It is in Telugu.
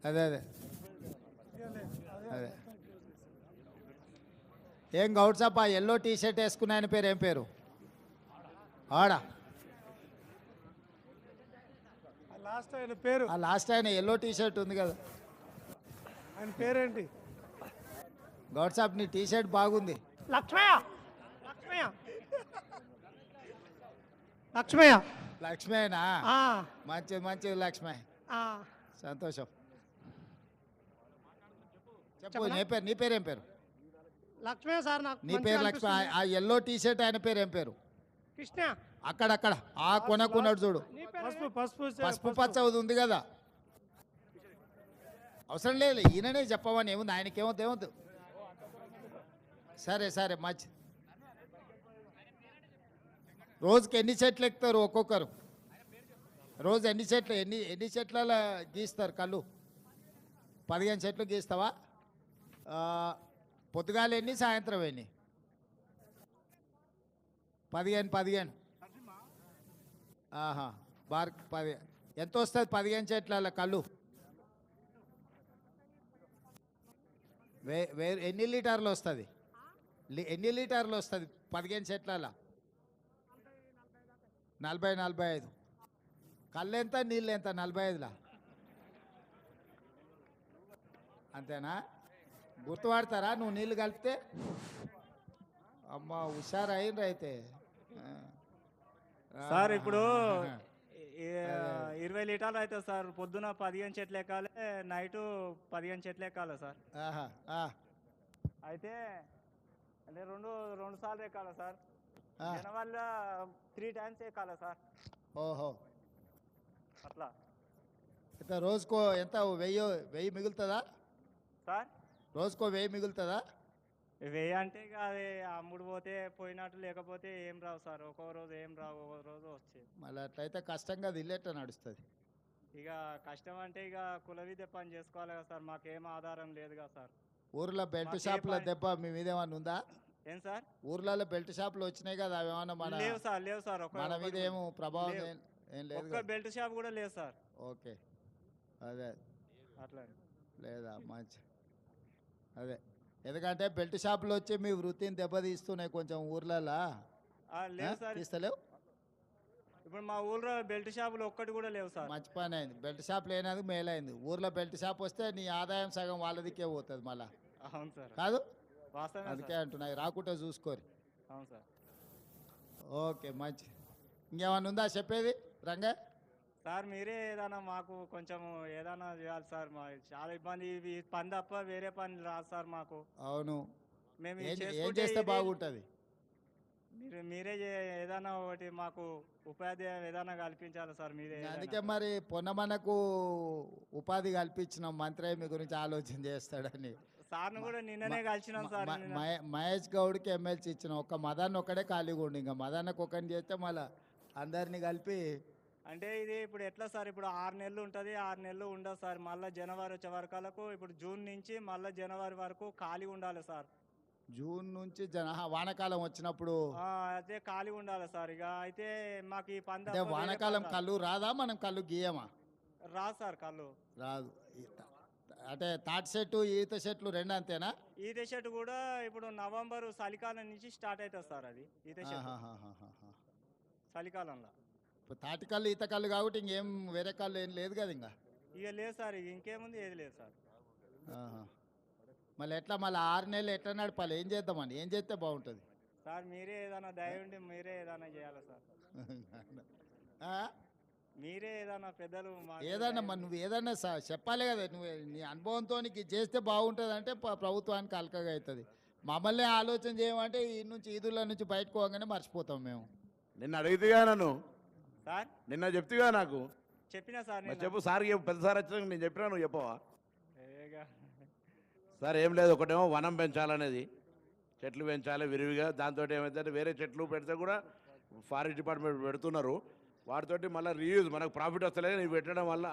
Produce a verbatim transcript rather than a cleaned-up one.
అదే అదే అదే ఏం గౌడ్సప్ప ఎల్లో టీ షర్ట్ వేసుకున్న ఆయన పేరు ఏం పేరు ఆడా లాస్ట్ ఆయన పేరు ఆ లాస్ట్ ఆయన ఎల్లో టీ షర్ట్ ఉంది కదా ఆయన పేరేంటి? గౌడ్సాప్ నీ టీ షర్ట్ బాగుంది. లక్ష్మయ్య లక్ష్మయ్య లక్ష్మయ్య లక్ష్మేనా ఆ, మంచిది మంచిది లక్ష్మే ఆ. సంతోషం. చెప్పు నీ పేరు నీ పేరు ఏం పేరు లక్ష్మయ్య సార్ నాకు నీ మంచిగా పేరు లక్ష్మి. అనిపిస్తుంది. ఆ ఎల్లో టీ షర్ట్ ఆయన పేరు ఏం పేరు? కృష్ణ అక్కడక్కడ ఆ కొనకున్నాడు చూడు, నీ పేరు పసుపు పసుపు పసుపు పచ్చ అది ఉంది కదా. అవసరం లేదు ఈయననే చెప్పమని ఏముంది, ఆయనకేమవుతుంది ఏమవుతుంది. సరే సరే మంచి. రోజుకి ఎన్ని చెట్లు ఎక్కుతారు ఒక్కొక్కరు? రోజు ఎన్ని చెట్లు ఎన్ని ఎన్ని చెట్ల గీస్తారు కళ్ళు? పదిహేను చెట్లు గీస్తావా? ఆ, పొద్దుగాల ఎన్ని సాయంత్రం ఎన్ని? పదిహేను పదిహేను ఆహా బార్ పది ఎంత వస్తుంది పదిహేను చెట్ల కళ్ళు? వే వే ఎన్ని లీటర్లు వస్తుంది? ఎన్ని లీటర్లు వస్తుంది పదిహేను చెట్ల? నలభై నలభై ఐదు. కళ్ళు ఎంత నీళ్ళు ఎంత? నలభై ఐదులా అంతేనా? గుర్తుపడతారా నువ్వు నీళ్ళు కలిపితే? అమ్మ హుషారు అయిండ్రు అయితే. సార్ ఇప్పుడు ఈ- ఇరవై లీటర్లు అవుతుంది సార్. పొద్దున పదిహేను చెట్లు ఎక్కాలి, నైట్ పదిహేను చెట్లు ఎక్కాలి సార్. ఆహా, ఆ, అయితే అంటే రెండు రెండు సార్లు ఎక్కాలి సార్. ఆ. దానివల్ల త్రీ టైమ్స్ ఎక్కాలి సార్. ఓహో అట్లా ఎంత రోజుకో ఎంత వెయ్యి వెయ్యి మిగులుతుందా? సార్ రోజుకో వెయ్యి మిగులుతుందా? వెయ్యి అంటే ఇక అది అమ్ముడు పోతే పోయినట్టు, లేకపోతే ఏం రావు సార్. ఒక్కో రోజు ఏం రావు, ఒక్కో రోజు వచ్చేది. మళ్ళీ అట్లయితే కష్టంగా ఇల్లేట నడుస్తుంది. ఇక కష్టం అంటే ఇక కుల విద్య పని చేసుకోవాలి కదా సార్. మాకేం ఆధారం లేదు కదా సార్. ఊర్లో బెల్ట్ మాకే షాపుల పని- దెబ్బ మీ మీద ఏమన్నా ఉందా? ఏం సార్? ఊర్లలో బెల్ట్ షాపులు వచ్చినాయి కదా, అవి ఏమన్నా మన లేవు సార్, లేవు సార్. ఒక్క మన మీద ఒక్కటి ఏమో ప్రభావం లేవు. ఏం ఏం లేదు ఒక్క కదా? బెల్ట్ షాప్ కూడా లేదు సార్. ఓకే అదే అట్లా లేదా మంచి అదే ఎందుకంటే బెల్ట్ షాపులు వచ్చి మీ వృత్తిని దెబ్బతీస్తున్నాయి కొంచెం ఊర్లలో. ఆ, లేవు సార్. తీస్తలేవు? ఇప్పుడు మా ఊళ్ళో బెల్ట్ షాపులు ఒక్కటి కూడా లేవు సార్. మంచి పని అయింది, బెల్ట్ షాప్ లేనందుకు మేలైంది. ఊర్లో బెల్ట్ షాప్ వస్తే నీ ఆదాయం సగం వాళ్ళదికే పోతుంది మళ్ళా, అవును సార్, కాదు? వాస్తవమే అందుకే సార్. అంటున్నాయి రాకుంటే చూసుకోరు. అవును సార్. ఓకే మంచి. ఇంకేమన్నా ఉందా చెప్పేది రంగా? సార్ మీరే ఏదైనా మాకు కొంచెం ఏదైనా చేయాలి సార్. మా చాలా ఇబ్బంది. ఈ పని తప్ప వేరే పని రాదు సార్ మాకు. అవును, మేము ఇది ఏం ఏం చేసుకుంటే చేస్తే ఇది- బాగుంటుంది? మీరు మీరే చే- ఏదైనా ఒకటి మాకు ఉపాధి ఏదైనా కల్పించాలి సార్. మీరే ఏదైనా. అందుకే మరి పొన్నమనకు ఉపాధి కల్పించిన మంత్రి మీ గురించి ఆలోచన చేస్తాడని. సార్ను కూడా నిన్ననే కలిసినాం సార్. మ- నిన్న. మహే- మహేష్ గౌడ్కి ఎమ్మెల్సీ ఇచ్చిన ఒక్క మదన్ ఒక్కడే ఖాళీగా ఉండి, ఇంకా మదన్నకు ఒకరిని చేస్తే మళ్ళీ అందరినీ కలిపి. అంటే ఇది ఇప్పుడు ఎట్లా సార్? ఇప్పుడు ఆరు నెలలు ఉంటుంది, ఆరు నెలలు ఉండదు సార్. మళ్ళీ జనవరి వచ్చే వరకలకు ఇప్పుడు జూన్ నుంచి మళ్ళీ జనవరి వరకు ఖాళీ ఉండాలి సార్. జూన్ నుంచి జన ఆహా, వానాకాలం వచ్చినప్పుడు ఆ, అయితే ఖాళీ ఉండాలి సార్. ఇక అయితే మాకు ఈ పంద అంటే వానాకాలం కళ్ళు రాదా? మనం కళ్ళు గీయమా? రాదు సార్ కళ్ళు. రాదు. ఈ త- అంటే తాటి చెట్టు ఈత చెట్లు రెండు అంతేనా? ఈత చెట్టు కూడా ఇప్పుడు నవంబర్ చలికాలం నుంచి స్టార్ట్ అవుతుంది సార్. అది ఈత చెట్టు ఆహాహాహాహా. చలికాలంలో. ఇప్పుడు తాటి కళ్ళు ఈత కళ్ళు కాబట్టి ఇంకేం వేరే కళ్ళు ఏం లేదు కదా ఇంకా. ఇక లేదు సార్, ఇక ఇంకేముంది, ఏది లేదు సార్. ఆహా. మళ్ళీ ఎట్లా మళ్ళీ ఆరు నెలలు ఎట్లా నడపాలి? ఏం చేద్దామని ఏం చేస్తే బాగుంటుంది? సార్ మీరే ఏదైనా దయ ఉండి మీరే ఏదైనా చేయాలి సార్. ఆ? మీరే ఏదైనా పెద్దలు మాకు ఏదన్నా దయ మరి ఉండి- నువ్వు ఏదన్నా స- చెప్పాలి కదా. నువ్వు నీ అనుభవంతో నీకు ఇది చేస్తే బాగుంటుంది అంటే ప- ప్రభుత్వానికి అలకగా అవుతుంది. మమ్మల్ని ఆలోచన చేయమంటే ఈ నుంచి ఈదుల నుంచి బయటకు పోగానే మర్చిపోతాం మేము. నిన్న అడిగితేగా నన్ను, సార్ నిన్న చెప్తిగా నాకు. చెప్పినా సార్ మరి నేను. చెప్పు సార్, చెప్పు. పెద్ద సార్ వచ్చినాక నేను చెప్పినా నువ్వు చెప్పవా? ఏగా. సార్ ఏం లేదు, ఒకటేమో వనం పెంచాలనేది, చెట్లు పెంచాలి విరివిగా. దాంతో ఏమైతే వేరే చెట్లు పెడితే కూడా ఫారెస్ట్ డిపార్ట్మెంట్ పెడుతున్నారు. వాటితోటి మళ్ళీ రీయూజ్ మనకు ప్రాఫిట్ వస్తలేదు, నీవు పెట్టడం వల్ల